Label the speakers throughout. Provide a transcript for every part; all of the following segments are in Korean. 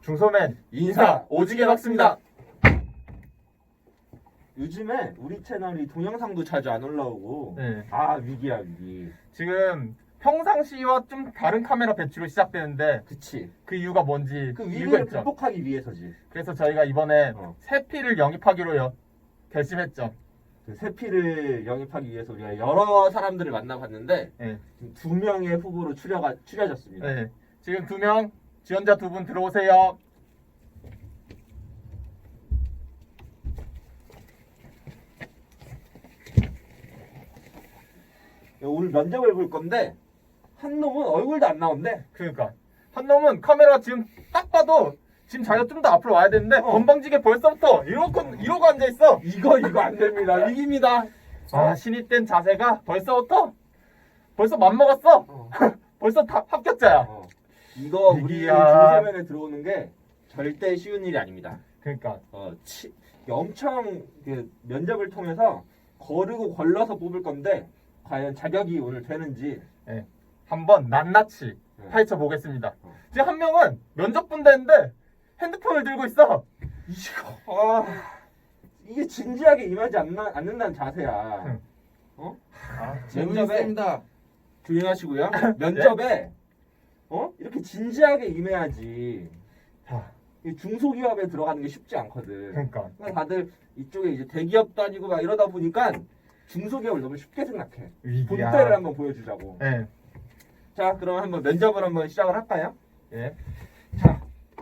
Speaker 1: 중소맨 인사 오지게 박습니다.
Speaker 2: 요즘에 우리 채널이 동영상도 자주 안 올라오고
Speaker 1: 네.
Speaker 2: 위기야 위기.
Speaker 1: 지금 평상시와 좀 다른 카메라 배치로 시작되는데
Speaker 2: 그치.
Speaker 1: 그 이유가 뭔지
Speaker 2: 그
Speaker 1: 이유가
Speaker 2: 위기를
Speaker 1: 있죠.
Speaker 2: 극복하기 위해서지.
Speaker 1: 그래서 저희가 이번에 세피를 영입하기로 결심했죠.
Speaker 2: 그 세피를 영입하기 위해서 우리가 여러 사람들을 만나봤는데
Speaker 1: 네.
Speaker 2: 지금 2명의 후보로 추려졌습니다.
Speaker 1: 네. 지금 2명 지원자 2분 들어오세요.
Speaker 2: 오늘 면접을 볼 건데 한 놈은 얼굴도 안 나온대.
Speaker 1: 그러니까 한 놈은 카메라 지금 딱 봐도 지금 자기가 좀 더 앞으로 와야 되는데 건방지게 벌써부터 이러고 앉아 있어.
Speaker 2: 이거 안 됩니다. 위기입니다.
Speaker 1: 신입된 자세가 벌써 맘먹었어. 벌써 다 합격자야.
Speaker 2: 이거 우리
Speaker 1: 위기야.
Speaker 2: 중소면에 들어오는 게 절대 쉬운 일이 아닙니다.
Speaker 1: 그러니까
Speaker 2: 엄청 그 면접을 통해서 거르고 걸러서 뽑을 건데 과연 자격이 오늘 되는지
Speaker 1: 한번 낱낱이 파헤쳐 보겠습니다. 지금 한 명은 면접 본다는데 핸드폰을 들고 있어.
Speaker 2: 이게 진지하게 임하지 않는다는 자세야.
Speaker 3: 재밌습니다.
Speaker 2: 조용하시고요. 면접에 이렇게 진지하게 임해야지. 이 중소기업에 들어가는 게 쉽지 않거든.
Speaker 1: 그러니까
Speaker 2: 다들 이쪽에 이제 대기업도 아니고 막 이러다 보니까 중소기업을 너무 쉽게 생각해.
Speaker 1: 위기야.
Speaker 2: 본때를 한번 보여주자고.
Speaker 1: 네.
Speaker 2: 자, 그럼 한번 면접을 한번 시작을 할까요?
Speaker 1: 예. 자,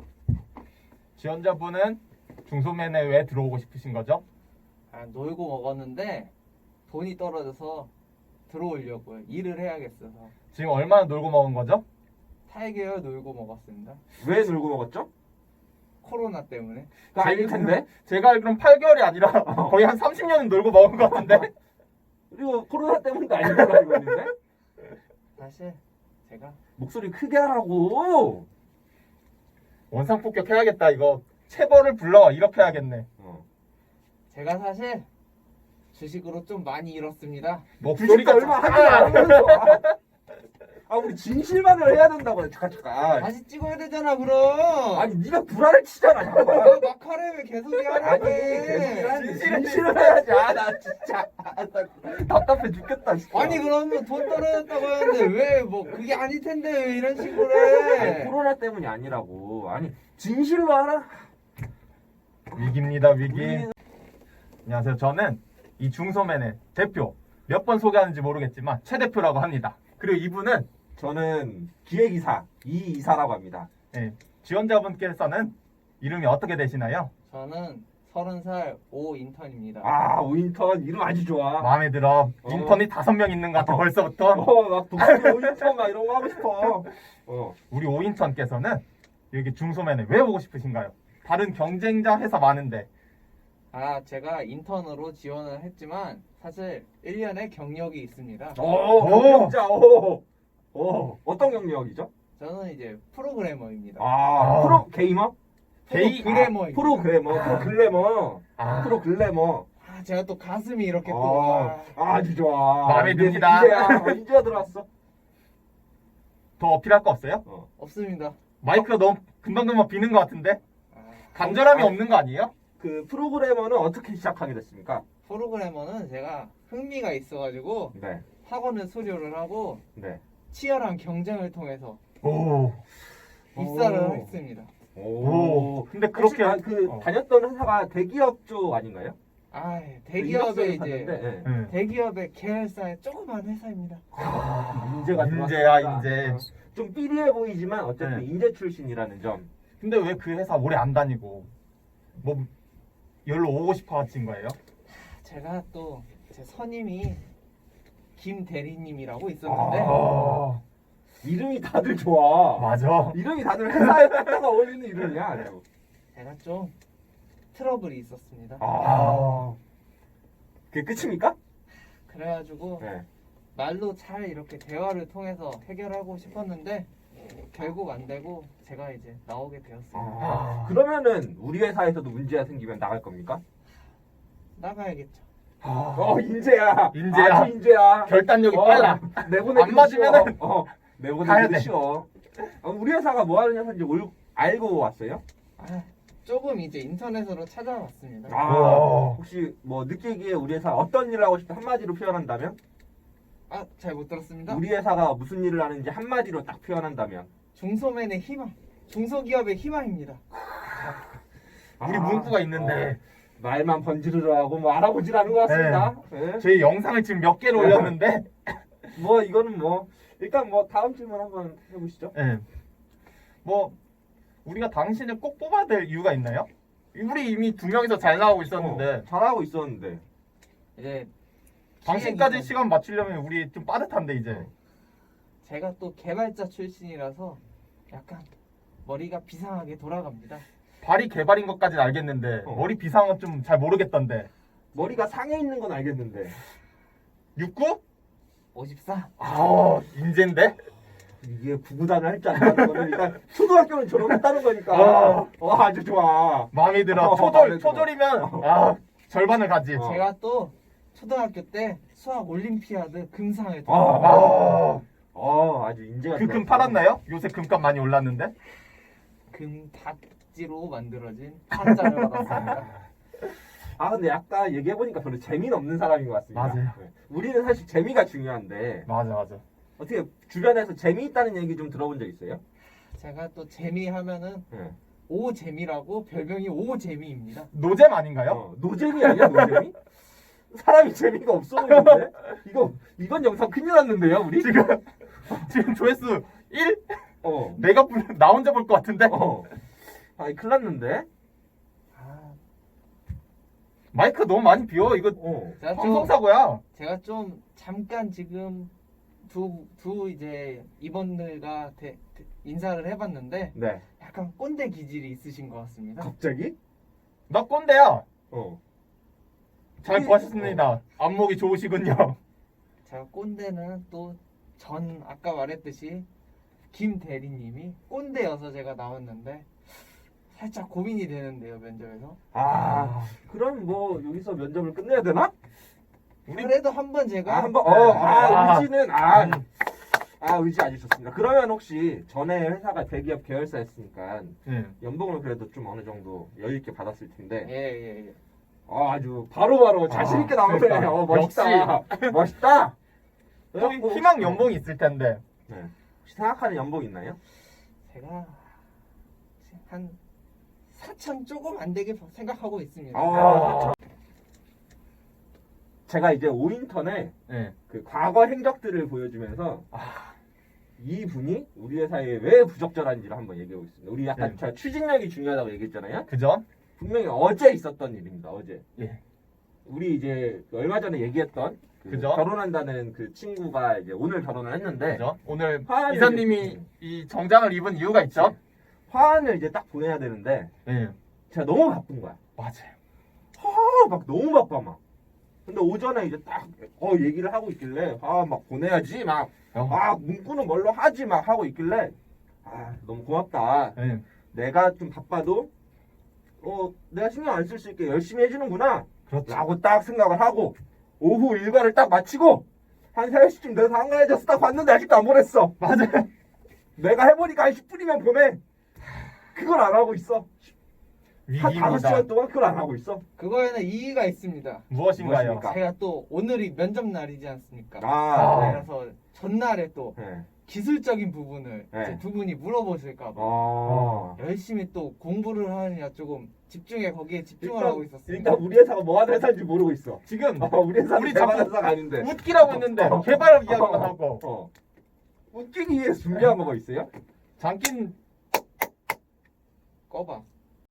Speaker 1: 지원자분은 중소맨에 왜 들어오고 싶으신 거죠?
Speaker 3: 놀고 먹었는데 돈이 떨어져서 들어오려고요. 일을 해야겠어서.
Speaker 1: 지금 얼마나 놀고 먹은 거죠?
Speaker 3: 8개월 놀고 먹었습니다.
Speaker 2: 왜 놀고 먹었죠?
Speaker 3: 코로나 때문에.
Speaker 2: 그거 아닐 텐데.
Speaker 1: 제가 알기로는 8개월이 아니라 거의 한 30년은 놀고 먹은 것 같은데?
Speaker 2: 그리고 코로나 때문도 아닌 걸로 알고 있는데.
Speaker 3: 사실 제가
Speaker 2: 목소리 크게 하라고.
Speaker 1: 원상폭격 해야겠다. 이거 체벌을 불러 이렇게 해야겠네.
Speaker 3: 제가 사실 주식으로 좀 많이 잃었습니다.
Speaker 1: 목소리가
Speaker 2: 얼마 하지 않으면서. 우리 진실만을 해야 된다고. 잠깐.
Speaker 3: 다시 찍어야 되잖아 그럼.
Speaker 2: 아니 네가 구라를 치잖아. 잠깐만.
Speaker 3: 막하래 왜 계속
Speaker 2: 아니
Speaker 3: 하래.
Speaker 2: 진실을 해야지. 나 진짜 나 답답해 죽겠다. 진짜.
Speaker 3: 아니 그러면 돈 떨어졌다고 하는데 왜 뭐 그게 아닐 텐데 왜 이런 식으로 해.
Speaker 2: 코로나 때문이 아니라고. 아니 진실로 하라.
Speaker 1: 위기입니다. 위기. 안녕하세요. 저는 이 중소맨의 대표. 몇 번 소개하는지 모르겠지만 최 대표라고 합니다. 그리고 이분은
Speaker 2: 저는 기획이사 이이사라고 합니다.
Speaker 1: 지원자분께서는 이름이 어떻게 되시나요?
Speaker 3: 저는 30살 오 인턴입니다.
Speaker 2: 오인턴 이름 아주 좋아.
Speaker 1: 마음에 들어. 인턴이 5명 있는 것 같아 벌써부터.
Speaker 2: 막 독수리 오인턴 막 이런 거 하고 싶어.
Speaker 1: 우리 오인턴께서는 여기 중소맨에 왜 오고 싶으신가요? 다른 경쟁자 회사 많은데.
Speaker 3: 제가 인턴으로 지원을 했지만 사실 1년의 경력이 있습니다.
Speaker 2: 경력자. 어떤 경력이죠?
Speaker 3: 저는 이제 프로그래머입니다.
Speaker 2: 프로 게이머?
Speaker 3: 프로그래머입니다.
Speaker 2: 프로글래머. 프로글래머.
Speaker 3: 제가 또 가슴이 이렇게 또
Speaker 2: 아주 좋아.
Speaker 1: 마음에 듭니다.
Speaker 2: 인재가 들어왔어.
Speaker 1: 더 어필할 거 없어요?
Speaker 3: 없습니다.
Speaker 1: 마이크가 너무 금방금방 비는 것 같은데? 간절함이 없는 거 아니에요?
Speaker 2: 그 프로그래머는 어떻게 시작하게 됐습니까?
Speaker 3: 프로그래머는 제가 흥미가 있어가지고
Speaker 2: 네.
Speaker 3: 학원을 수료를 하고
Speaker 2: 네.
Speaker 3: 치열한 경쟁을 통해서
Speaker 1: 오.
Speaker 3: 입사를 했습니다.
Speaker 1: 근데 그렇게
Speaker 2: 다녔던 회사가 대기업 쪽 아닌가요?
Speaker 3: 대기업의 이제
Speaker 2: 봤는데,
Speaker 3: 대기업의 계열사의 조그만 회사입니다.
Speaker 2: 인재가
Speaker 1: 인재야,
Speaker 2: 들어왔습니다.
Speaker 1: 인재.
Speaker 2: 좀 삐리해 보이지만 어쨌든 인재 출신이라는 점.
Speaker 1: 근데 왜 그 회사 오래 안 다니고 뭐 열로 오고 싶어 하신 거예요?
Speaker 3: 제가 또 제 선임이 김 대리님이라고 있었는데
Speaker 2: 이름이 다들 좋아.
Speaker 1: 맞아.
Speaker 2: 이름이 다들 회사에 갖다가 어울리는 이름이야.
Speaker 3: 제가 좀 트러블이 있었습니다.
Speaker 2: 그게 끝입니까?
Speaker 3: 그래가지고 말로 잘 이렇게 대화를 통해서 해결하고 싶었는데 결국 안 되고 제가 이제 나오게 되었습니다.
Speaker 2: 그러면은 우리 회사에서도 문제가 생기면 나갈 겁니까?
Speaker 3: 나가야겠죠.
Speaker 2: 인재야.
Speaker 1: 인재야.
Speaker 2: 아주 인재야.
Speaker 1: 결단력이 빨라.
Speaker 2: 내보내기
Speaker 1: 안 맞으면은
Speaker 2: 쉬워.
Speaker 1: 가야 돼.
Speaker 2: 내보내기 쉬워. 우리 회사가 뭐 하는 회사인지 알고 왔어요?
Speaker 3: 아, 조금 이제 인터넷으로 찾아봤습니다.
Speaker 1: 우와.
Speaker 2: 혹시 뭐 느끼기에 우리 회사 어떤 일을 하고 싶다 한마디로 표현한다면?
Speaker 3: 아, 잘 못 들었습니다.
Speaker 2: 우리 회사가 무슨 일을 하는지 한마디로 딱 표현한다면?
Speaker 3: 중소맨의 희망, 중소기업의 희망입니다.
Speaker 1: 우리
Speaker 2: 아,
Speaker 1: 문구가 있는데
Speaker 2: 말만 번지르르 하고 뭐 알아보질 않은 것 같습니다. 네.
Speaker 1: 저희 영상을 지금 몇 개를 올렸는데
Speaker 2: 뭐 이거는 뭐 일단 뭐 다음 질문 한번 해보시죠.
Speaker 1: 예. 뭐 우리가 당신을 꼭 뽑아야 될 이유가 있나요? 우리 이미 2명이서 잘 나가고 있었는데
Speaker 2: 잘하고 있었는데.
Speaker 3: 이제
Speaker 1: 당신까지
Speaker 3: 기획이죠.
Speaker 1: 시간 맞추려면 우리 좀 빠듯한데 이제.
Speaker 3: 제가 또 개발자 출신이라서 약간 머리가 비상하게 돌아갑니다.
Speaker 1: 발이 개발인 것까지는 알겠는데 머리 비상은 좀 잘 모르겠던데.
Speaker 2: 머리가 상해 있는 건 알겠는데.
Speaker 1: 69?
Speaker 3: 54.
Speaker 1: 아, 인재인데?
Speaker 2: 이게 구구단을 할 줄 안다는 거는 일단 초등학교는 졸업했다는 거니까.
Speaker 1: 아.
Speaker 2: 아주 좋아.
Speaker 1: 마음에 들어.
Speaker 2: 마음에 들어.
Speaker 1: 초졸이면 아, 절반을 가지.
Speaker 3: 제가 또 초등학교 때 수학 올림피아드 금상을
Speaker 1: 아,
Speaker 2: 아주 인재가.
Speaker 1: 그 금
Speaker 2: 들어왔어.
Speaker 1: 팔았나요? 요새 금값 많이 올랐는데.
Speaker 3: 금박지로 만들어진 판자를 받았습니다.
Speaker 2: 아 근데 아까 얘기해 보니까 별로 재미는 없는 사람인 것 같습니다.
Speaker 1: 맞아요.
Speaker 2: 네. 우리는 사실 재미가 중요한데
Speaker 1: 맞아.
Speaker 2: 어떻게 주변에서 재미있다는 얘기 좀 들어본 적 있어요?
Speaker 3: 제가 또 재미하면은
Speaker 2: 네.
Speaker 3: 오재미라고 별명이 오재미입니다.
Speaker 1: 노잼 아닌가요?
Speaker 2: 노잼이 아니야 노잼이? 사람이 재미가 없어 보이는데? 이건 영상 큰일 났는데요 우리?
Speaker 1: 지금 조회수 1?
Speaker 2: 어.
Speaker 1: 내가 나 혼자 볼 것 같은데.
Speaker 2: 아니 큰일 났는데?
Speaker 3: 아,
Speaker 1: 마이크 너무 많이 비워. 이거
Speaker 3: 제가
Speaker 1: 방송 사고야.
Speaker 3: 제가 좀 잠깐 지금 두 이제 임원들과 인사를 해봤는데
Speaker 2: 네.
Speaker 3: 약간 꼰대 기질이 있으신 것 같습니다.
Speaker 2: 갑자기?
Speaker 1: 나 꼰대야. 잘
Speaker 2: 우리-
Speaker 1: 보셨습니다. 안목이 좋으시군요.
Speaker 3: 제가 꼰대는 또 아까 말했듯이 김 대리님이 꼰대여서 제가 나왔는데 살짝 고민이 되는데요 면접에서.
Speaker 2: 그럼 뭐 여기서 면접을 끝내야 되나?
Speaker 3: 그래도 한번 제가
Speaker 2: 한번 의지는 의지 아주 좋습니다. 그러면 혹시 전에 회사가 대기업 계열사였으니까
Speaker 1: 예.
Speaker 2: 연봉을 그래도 좀 어느 정도 여유 있게 받았을 텐데
Speaker 3: 예.
Speaker 2: 아주 바로바로 자신 있게 나오네.
Speaker 1: 그러니까.
Speaker 2: 멋있다. 멋있다.
Speaker 1: 또
Speaker 2: 그래갖고
Speaker 1: 희망 연봉이 있을 텐데.
Speaker 2: 네. 혹시 생각하는 연봉 있나요?
Speaker 3: 제가 한 4천 조금 안 되게 생각하고 있습니다.
Speaker 2: 제가 이제 오인턴에
Speaker 1: 예.
Speaker 2: 그 과거 행적들을 보여주면서 이분이 우리 회사에 왜 부적절한지를 한번 얘기해 보겠습니다. 우리 약간
Speaker 1: 네.
Speaker 2: 제가 추진력이 중요하다고 얘기했잖아요.
Speaker 1: 그죠?
Speaker 2: 분명히 어제 있었던 일입니다. 어제.
Speaker 1: 예.
Speaker 2: 우리 이제 얼마 전에 얘기했던 그
Speaker 1: 그죠?
Speaker 2: 결혼한다는 그 친구가 이제 오늘 결혼을 했는데
Speaker 1: 그죠? 오늘
Speaker 2: 화환을
Speaker 1: 이사님이
Speaker 2: 이제-
Speaker 1: 이 정장을 입은 이유가 있죠?
Speaker 2: 화환을 이제 딱 보내야 되는데
Speaker 1: 예.
Speaker 2: 제가 너무 바쁜 거야.
Speaker 1: 맞아요.
Speaker 2: 막 너무 바빠 막. 근데 오전에 이제 딱 얘기를 하고 있길래 막 보내야지 막 문구는 뭘로 하지 막 하고 있길래 너무 고맙다.
Speaker 1: 예.
Speaker 2: 내가 좀 바빠도 내가 신경 안 쓸 수 있게 열심히 해주는구나
Speaker 1: 그렇죠.
Speaker 2: 라고 딱 생각을 하고 오후 일과를 딱 마치고 한 3시쯤 돼서 한가해져서 딱 봤는데 아직도 안 보냈어.
Speaker 1: 맞아요.
Speaker 2: 내가 해보니까 한 10분이면 보내. 그걸 안 하고 있어. 한
Speaker 1: 위기입니다.
Speaker 2: 5시간 동안 그걸 안 하고 있어.
Speaker 3: 그거에는 이의가 있습니다.
Speaker 1: 무엇인가요?
Speaker 2: 무엇입니까?
Speaker 3: 제가 또 오늘이 면접 날이지 않습니까?
Speaker 1: 네.
Speaker 3: 그래서 전날에 또
Speaker 2: 네.
Speaker 3: 기술적인 부분을
Speaker 2: 네.
Speaker 3: 이제 두 분이 물어보실까봐 열심히 또 공부를 하느냐 조금 거기에 집중을 하고 있었습니다.
Speaker 2: 일단 우리 회사가 뭐 하는 회사인지 모르고 있어.
Speaker 1: 지금
Speaker 2: 우리 회사는
Speaker 1: 우리
Speaker 2: 개발
Speaker 1: 자꾸
Speaker 2: 회사가 아닌데.
Speaker 1: 웃기라고 했는데 개발 이야기만 하고
Speaker 2: 웃기기 위해서 준비한 거가 있어요?
Speaker 1: 장긴
Speaker 3: 꺼봐.